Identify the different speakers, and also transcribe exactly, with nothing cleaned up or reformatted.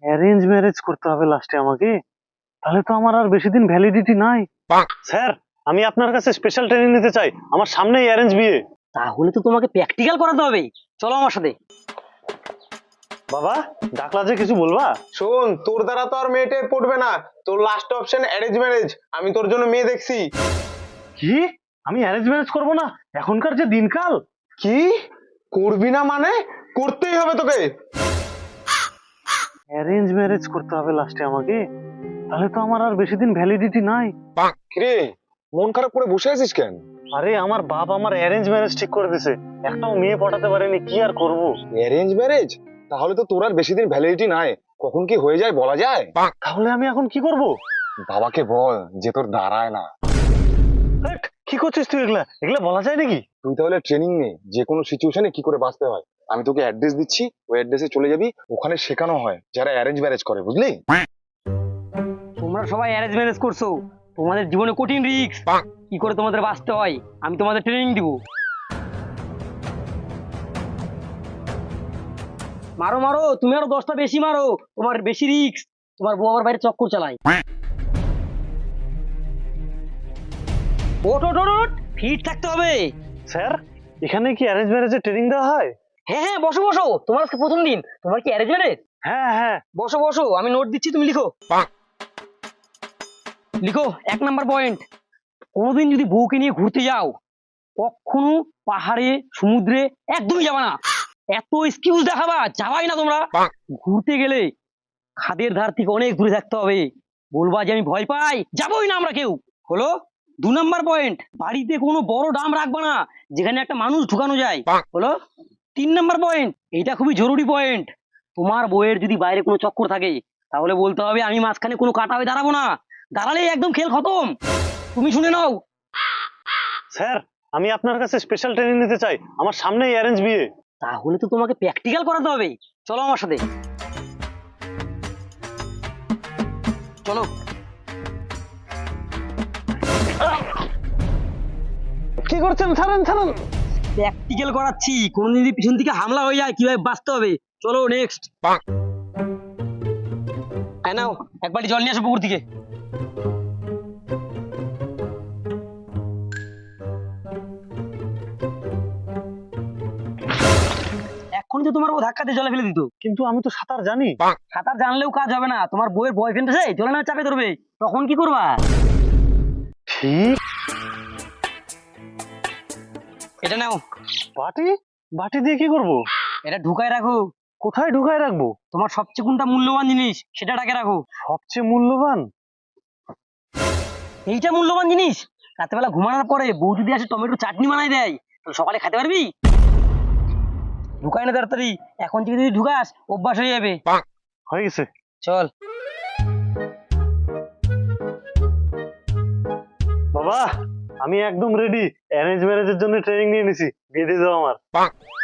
Speaker 1: Arrange marriage করতে হবে লাস্টে আমাকে, তাহলে তো আমার আর বেশি দিন ভ্যালিডিটি নাই। স্যার, আমি আপনার কাছে স্পেশাল ট্রেনিং নিতে চাই, আমার সামনেই অ্যারেঞ্জ বিয়ে।
Speaker 2: তাহলে তো তোমাকে প্র্যাকটিক্যাল করাতে হবে, চলো আমার সাথে।
Speaker 1: বাবা, ডাকলা যে কিছু বলবা?
Speaker 3: শোন, তোর দ্বারা তো আর মেয়েটে পড়বে না। তোর লাস্ট অপশন অ্যারেঞ্জ ম্যারেজ। আমি তোর জন্য মেয়ে দেখছি।
Speaker 1: কি? আমি অ্যারেঞ্জ ম্যারেজ করব না? এখনকার যে দিনকাল।
Speaker 3: কি করবি না মানে? করতেই হবে তোকে।
Speaker 1: অ্যারেঞ্জ ম্যারেজ করতে হবে লাস্টে আমাকে, তাহলে তো আমার আর বেশি দিন ভ্যালিডিটি নাই।
Speaker 3: কিরে, মন খারাপ করে বসে আছিস কেন?
Speaker 1: আরে আমার বাপ আমার অ্যারেঞ্জ ম্যারেজ ঠিক করে দিছে, একটাও মেয়ে পটাতে পারেনি, কি আর করব।
Speaker 3: Arrange marriage? তাহলে তো তোর আর বেশি দিন ভ্যালিডিটি নাই। কখন কি হয়ে যায় বলা যায়?
Speaker 1: তাহলে আমি এখন কি করব?
Speaker 3: বাবাকে বল যে তোর দাঁড়ায় না।
Speaker 1: হেট, কি করছিস তুই? এগুলা এগুলা বলা যায় নাকি?
Speaker 3: তুই তাহলে ট্রেনিং নে, যে কোনো সিচুয়েশনে কি করে বাঁচতে হয়। আমি তোকে অ্যাড্রেস দিচ্ছি, ওই অ্যাড্রেসে চলে যাবি। ওখানে শেখানো হয় যারা অ্যারেঞ্জ ম্যারেজ করে, বুঝলি?
Speaker 2: তোমরা সবাই অ্যারেঞ্জ ম্যারেজ করছো, তোমাদের জীবনে কঠিন রিস্ক, কি করে তোমাদের বাঁচতে হয় আমি তোমাদের ট্রেনিং দিব। মারো মারো, তুমি আরো দশটা বেশি মারো, তোমার বেশি রিস্ক। তোমার বউ আবার বাইরে চক্কর চালায়। ওট ওট ওট ওট, ফিট থাকতে হবে।
Speaker 1: স্যার, এখানে কি অ্যারেঞ্জ ম্যারেজের ট্রেনিং দেওয়া হয়?
Speaker 2: হ্যাঁ হ্যাঁ, বসো বসো, তোমার আজকে প্রথম দিন। তোমার কি অ্যারেঞ্জ ম্যারেজ?
Speaker 1: হ্যাঁ হ্যাঁ।
Speaker 2: বসো বসো, আমি নোট দিচ্ছি, তুমি লিখো। লিখো, এক নাম্বার পয়েন্ট, কোনোদিন যদি বউকে নিয়ে ঘুরতে যাও, কখনো পাহাড়ে সমুদ্রে একদমই যাবা না। এত এক্সকিউজ দেখাবা, যাবাই না তোমরা। ঘুরতে গেলে খাদের ধার থেকে অনেক দূরে থাকতে হবে, বলবা যে আমি ভয় পাই, যাবোই না আমরা কেউ। হলো দু নাম্বার পয়েন্ট, বাড়িতে কোনো বড় ডাম রাখবা না যেখানে একটা মানুষ ঢুকানো যায়। হলো তিন নাম্বার পয়েন্ট, এটা খুবই জরুরি পয়েন্ট, তোমার বউয়ের যদি বাইরে কোনো চক্কর থাকে তাহলে বলতে হবে আমি মাঝখানে কোনো কাটা হয়ে দাঁড়াবো না, দাঁড়ালেই একদম খেল খতম। তুমি শুনে নাও।
Speaker 1: স্যার, আমি আপনার কাছে স্পেশাল ট্রেনিং নিতে চাই, আমার সামনেই অ্যারেঞ্জ বিয়ে।
Speaker 2: তাহলে তো তোমাকে প্র্যাকটিক্যাল করাতে হবে, চলো আমার সাথে, চলো।
Speaker 1: কি করছেন? ছাড়েন ছাড়েন।
Speaker 2: প্র্যাকটিক্যাল করাচ্ছি, কোনদিন যদি পিছন থেকে হামলা হয়ে যায় কিভাবে বাঁচতে হবে। চলো নেক্সট। হ্যাঁ নাও, এক বালতি জল নিয়ে আসো পুকুর থেকে। এখন তো তোমার ও ধাক্কাতে জলে ফেলে দিত।
Speaker 1: কিন্তু আমি তো সাঁতার জানি।
Speaker 2: সাঁতার জানলেও কাজ হবে না, তোমার বইয়ের বয়ফ্রেন্ড আছে জলে না চাপে ধরবে, তখন কি করবা?
Speaker 1: ঠিক।
Speaker 2: এটা নাও।
Speaker 1: বাটি? বাটি দিয়ে কি করব?
Speaker 2: এটা ঢুকায় রাখো।
Speaker 1: কোথায় ঢুকায় রাখবো?
Speaker 2: তোমার সবচেয়ে কোনটা মূল্যবান জিনিস সেটা ডাকে রাখো।
Speaker 1: সবচেয়ে মূল্যবান?
Speaker 2: এইটা মূল্যবান জিনিস, রাতেবেলা ঘুমানোর পরে বউ যদি আসে টমেটো চাটনি বানাই দেয়, তাহলে সকালে খেতে পারবি? ঢুকায় না তাড়াতাড়ি, এখন থেকে যদি ঢুকাস অভ্যাস হয়ে যাবে।
Speaker 1: হয়ে গেছে।
Speaker 2: চল।
Speaker 1: বাবা, আমি একদম রেডি, অ্যারেঞ্জ ম্যারেজের জন্য ট্রেনিং নিয়ে নিছি, বিয়ে দিয়ে দাও আমার।